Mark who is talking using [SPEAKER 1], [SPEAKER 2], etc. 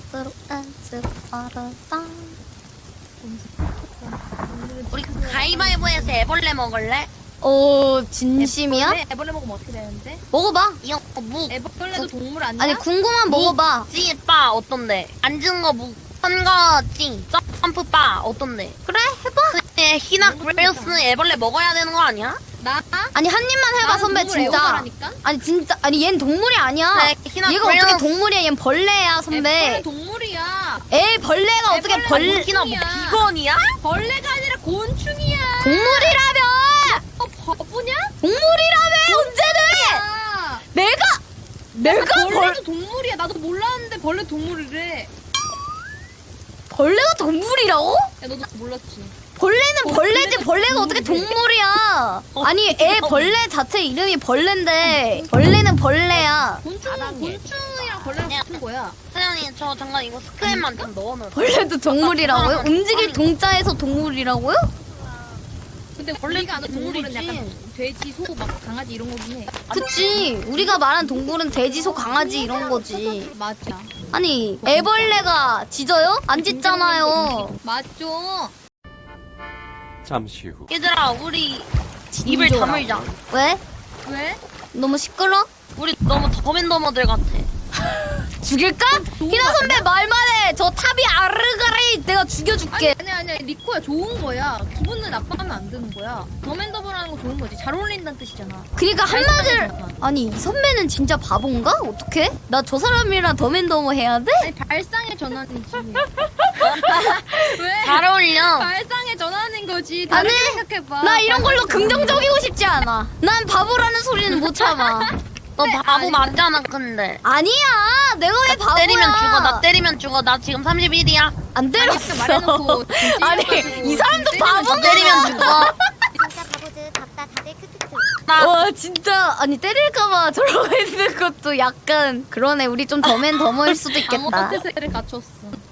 [SPEAKER 1] 뚜루 앤스 빠르다.
[SPEAKER 2] 우리 가위바위보에서 애벌레 먹을래?
[SPEAKER 1] 진심이야?
[SPEAKER 3] 애벌레 먹으면 어떻게 되는데?
[SPEAKER 1] 먹어봐.
[SPEAKER 2] 이거 묵.
[SPEAKER 3] 애벌레도 동물 아니야?
[SPEAKER 1] 아니 궁금한 먹어봐.
[SPEAKER 2] 찌빠 어떤데? 앉은 거 묵. 선거 찡. 점프바 어떤데?
[SPEAKER 1] 그래 해봐.
[SPEAKER 2] 근데 희나 그레이스 애벌레 먹어야 되는 거 아니야?
[SPEAKER 3] 나?
[SPEAKER 1] 아니 한 입만 해봐
[SPEAKER 3] 나는
[SPEAKER 1] 선배
[SPEAKER 3] 동물
[SPEAKER 1] 진짜.
[SPEAKER 3] 애호가라니까?
[SPEAKER 1] 아니 진짜 아니 얜 동물이 아니야.
[SPEAKER 2] 그래, 희나
[SPEAKER 1] 얘가
[SPEAKER 2] 그레이스.
[SPEAKER 1] 어떻게 동물이야? 얜 벌레야
[SPEAKER 3] 애벌레
[SPEAKER 1] 선배.
[SPEAKER 3] 동물이야.
[SPEAKER 1] 벌레가 어떻게
[SPEAKER 3] 애벌레
[SPEAKER 2] 희나 뭐
[SPEAKER 3] 곤충이야.
[SPEAKER 2] 비건이야?
[SPEAKER 3] 벌레가 아니라 곤충이야.
[SPEAKER 1] 동물이라며.
[SPEAKER 3] 바보냐?
[SPEAKER 1] 동물이라며 언제는?
[SPEAKER 3] 야.
[SPEAKER 1] 내가
[SPEAKER 3] 벌레도 동물이야. 나도 몰랐는데 벌레 동물이래.
[SPEAKER 1] 벌레가 동물이라고?
[SPEAKER 3] 야 너도 몰랐지?
[SPEAKER 1] 벌레는 벌레지
[SPEAKER 3] 벌레는
[SPEAKER 1] 벌레가 어떻게
[SPEAKER 3] 동물이래.
[SPEAKER 1] 동물이야? 아니 벌레 자체 이름이 벌레인데 벌레는 벌레야.
[SPEAKER 3] 곤충이랑 벌레랑 같은 거야.
[SPEAKER 2] 사장님 저 잠깐 이거 스크랩만 좀 넣어놓을게요.
[SPEAKER 1] 벌레도 동물이라고요? 움직일 동자에서 동물이라고요?
[SPEAKER 3] 근데 우리가 아는 동물은
[SPEAKER 2] 동물이지.
[SPEAKER 3] 약간 돼지, 소, 막 강아지 이런 거긴 해.
[SPEAKER 1] 그치. 우리가 말한 동물은 돼지, 소, 강아지 이런 거지.
[SPEAKER 3] 맞아.
[SPEAKER 1] 아니 애벌레가 짖어요? 안 짖잖아요.
[SPEAKER 3] 맞죠?
[SPEAKER 4] 잠시 후.
[SPEAKER 2] 얘들아 우리 입을
[SPEAKER 1] 짖어라.
[SPEAKER 2] 다물자.
[SPEAKER 1] 왜?
[SPEAKER 3] 왜?
[SPEAKER 1] 너무 시끄러?
[SPEAKER 2] 우리 너무 더맨더머들 같아.
[SPEAKER 1] 죽일까? 희나 선배 말만 해. 저 탑이 아르가리 내가 죽여줄게.
[SPEAKER 3] 아니 리코야 좋은 거야. 기분은 나빠하면 안 되는 거야. 더맨더블하는 거 좋은 거지. 잘 어울린다는 뜻이잖아.
[SPEAKER 1] 그러니까 한마디를
[SPEAKER 3] 발상이잖아.
[SPEAKER 1] 아니 이 선배는 진짜 바본가? 어떡해? 나 저 사람이랑 더맨더머 해야 돼?
[SPEAKER 3] 아니 발상의 전환이지. 왜?
[SPEAKER 2] 잘 어울려.
[SPEAKER 3] 발상의 전환인 거지.
[SPEAKER 1] 아니,
[SPEAKER 3] 다르게 생각해봐.
[SPEAKER 1] 나 이런 걸로 긍정적이고 싶지 않아. 난 바보라는 소리는 못 참아.
[SPEAKER 2] 너 바보 맞잖아 근데.
[SPEAKER 1] 아니야. 내가 왜 바보야?
[SPEAKER 2] 때리면 죽어. 나 때리면 죽어. 나 지금 31이야.
[SPEAKER 1] 안 때렸어.
[SPEAKER 3] 말해놓고
[SPEAKER 1] 아니 이 사람도 바보가.
[SPEAKER 2] 때리면 죽어.
[SPEAKER 5] 진짜 바보들 답다 다들 크크크.
[SPEAKER 2] 나
[SPEAKER 1] 와 진짜 아니 때릴까봐 저러고 있는 것도 약간 그러네. 우리 좀 더맨더머일 수도 있겠다.
[SPEAKER 3] 방어 태세를 갖췄어.